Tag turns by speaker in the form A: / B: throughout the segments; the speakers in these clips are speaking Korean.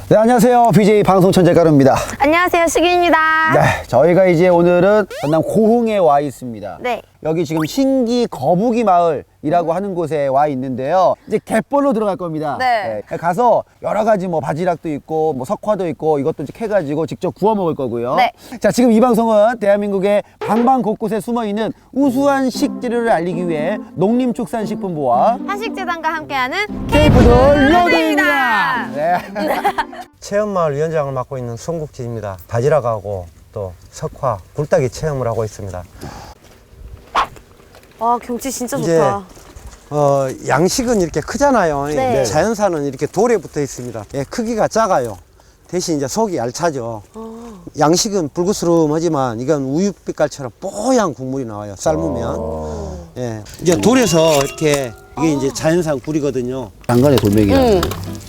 A: 네, 안녕하세요. BJ 방송 천재가루입니다.
B: 안녕하세요, 수기입니다.
A: 네, 저희가 이제 오늘은 전남 고흥에 와 있습니다.
B: 네.
A: 여기 지금 신기 거북이 마을이라고 하는 곳에 와 있는데요. 이제 갯벌로 들어갈 겁니다.
B: 네.
A: 가서 여러 가지 뭐 바지락도 있고 뭐 석화도 있고 이것도 이제 캐가지고 직접 구워 먹을 거고요.
B: 네.
A: 자, 지금 이 방송은 대한민국의 방방 곳곳에 숨어 있는 우수한 식재료를 알리기 위해 농림축산식품부와
B: 한식재단과 함께하는
A: 케이푸드
B: 로드입니다.
A: 네.
C: 체험마을 위원장을 맡고 있는 송국진입니다. 바지락하고 또 석화, 굴딱이 체험을 하고 있습니다.
B: 와, 경치 진짜
C: 이제
B: 좋다.
C: 양식은 이렇게 크잖아요.
B: 네.
C: 자연산은 이렇게 돌에 붙어 있습니다. 예, 크기가 작아요. 대신 이제 속이 알차죠. 양식은 불구스름하지만 이건 우유빛깔처럼 뽀얀 국물이 나와요. 삶으면. 예, 이제 돌에서 이렇게 이게 이제 자연산 굴이거든요.
A: 장관의 돌멩이야.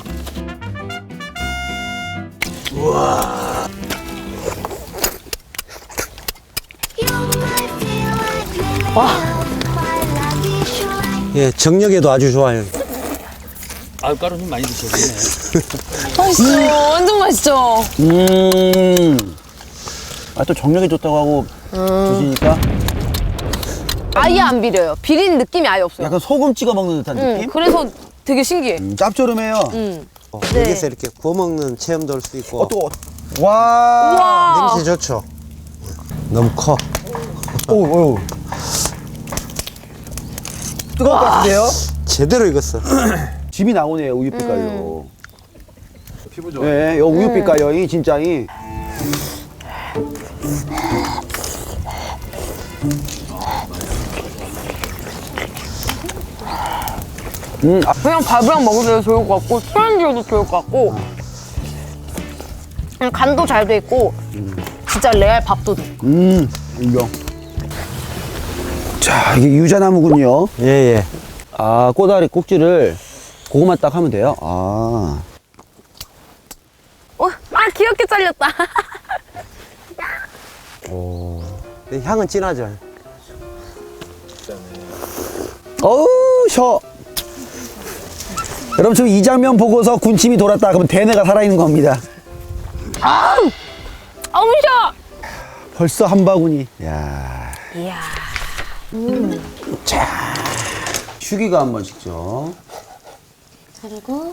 C: 예, 정력에도 아주 좋아요.
D: 가루 좀 많이 드셔야겠네.
B: 맛있어. 완전 맛있죠?
A: 아, 또 정력에 좋다고 하고 드시니까
B: 아예 안 비려요. 비린 느낌이 아예 없어요.
A: 약간 소금 찍어 먹는 듯한 느낌?
B: 그래서 되게 신기해.
A: 짭조름해요.
B: 네.
C: 여기서 이렇게 구워 먹는 체험도 할 수 있고.
A: 와.
B: 와.
C: 냄새 좋죠. 너무 커.
A: 오. 뜨거울 것 같은데요?
C: 제대로 익었어.
A: 집이 나오네요, 우유빛깔로. 피부 좋아. 네, 요 우유빛깔요, 이 진짜이.
B: 그냥 밥이랑 먹으면 좋을 것 같고, 술안주로도 좋을 것 같고, 그냥 간도 잘 돼 있고, 진짜 레알 밥도둑.
A: 인정. 자, 이게 유자나무군요.
C: 예, 예.
A: 아, 꼬다리 꼭지를 그거만 딱 하면 돼요. 아.
B: 귀엽게 잘렸다.
C: 근데 향은 진하죠.
A: 어우, 셔. 여러분, 지금 이 장면 보고서 군침이 돌았다. 그러면 대뇌가 살아있는 겁니다.
B: 어우, 셔!
A: 벌써 한 바구니. 야.
B: 이야.
A: 자. 휴기가 한번 식죠.
B: 그리고.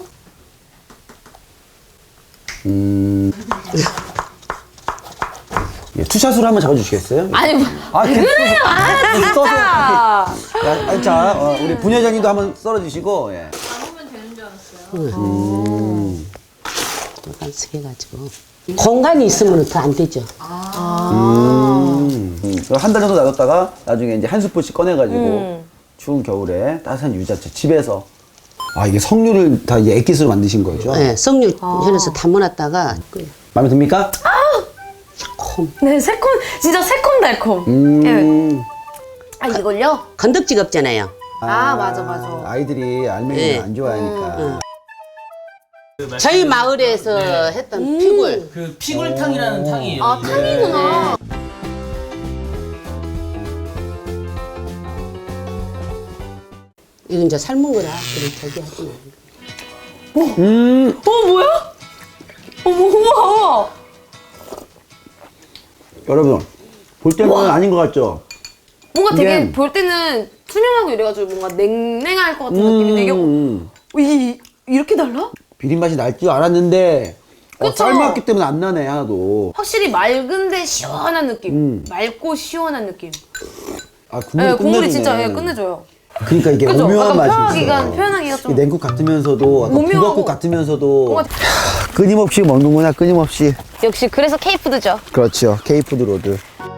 A: 예, 투샷으로 한번 잡아주시겠어요?
B: 아니, 뭐.
A: 그래요? 써서.
B: 아,
A: 자, 우리 분회장님도 한번 썰어주시고, 예.
E: 해가지고 공간이 있으면 더 안 되죠.
A: 한 달 정도 놔뒀다가 나중에 이제 한 스푼씩 꺼내가지고 추운 겨울에 따뜻한 유자차 집에서. 아, 이게 석류를 다 액기스로 만드신 거죠?
E: 네, 석류 현에서 담아놨다가
A: 마음에 듭니까?
B: 네, 진짜 새콤달콤. 네. 아, 이걸요?
E: 건덕지가 없잖아요.
B: 맞아.
A: 아이들이 알맹이를
E: 네.
A: 안 좋아하니까.
E: 저희 마을에서 했던 피굴.
D: 그 피굴탕이라는 탕이에요.
B: 아, 탕이구나.
E: 이건 이제 삶은 거라 그럼 저기 하지 마.
B: 뭐야? 우와.
A: 여러분, 볼 때는 아닌 것 같죠?
B: 뭔가 되게
A: 이게-
B: 볼 때는 투명하고 이래가지고 뭔가 냉랭할 것 같은 느낌이 되게 이렇게 달라?
A: 비린 맛이 날 줄 알았는데
B: 그쵸?
A: 삶았기 때문에 안 나네, 하나도.
B: 확실히 맑은데 시원한 느낌. 맑고 시원한 느낌.
A: 아, 국물이
B: 네, 국물이
A: 끝내주네.
B: 진짜 끝내줘요.
A: 그러니까 이게
B: 그죠?
A: 오묘한
B: 약간
A: 맛이 있어.
B: 표현하기가 좀.
A: 냉국 같으면서도 약간
B: 오묘하고.
A: 북엇국 같으면서도
B: 뭔가-
A: 끊임없이 먹는구나, 끊임없이.
B: 역시 그래서 케이푸드죠.
A: 그렇죠, 케이푸드 로드.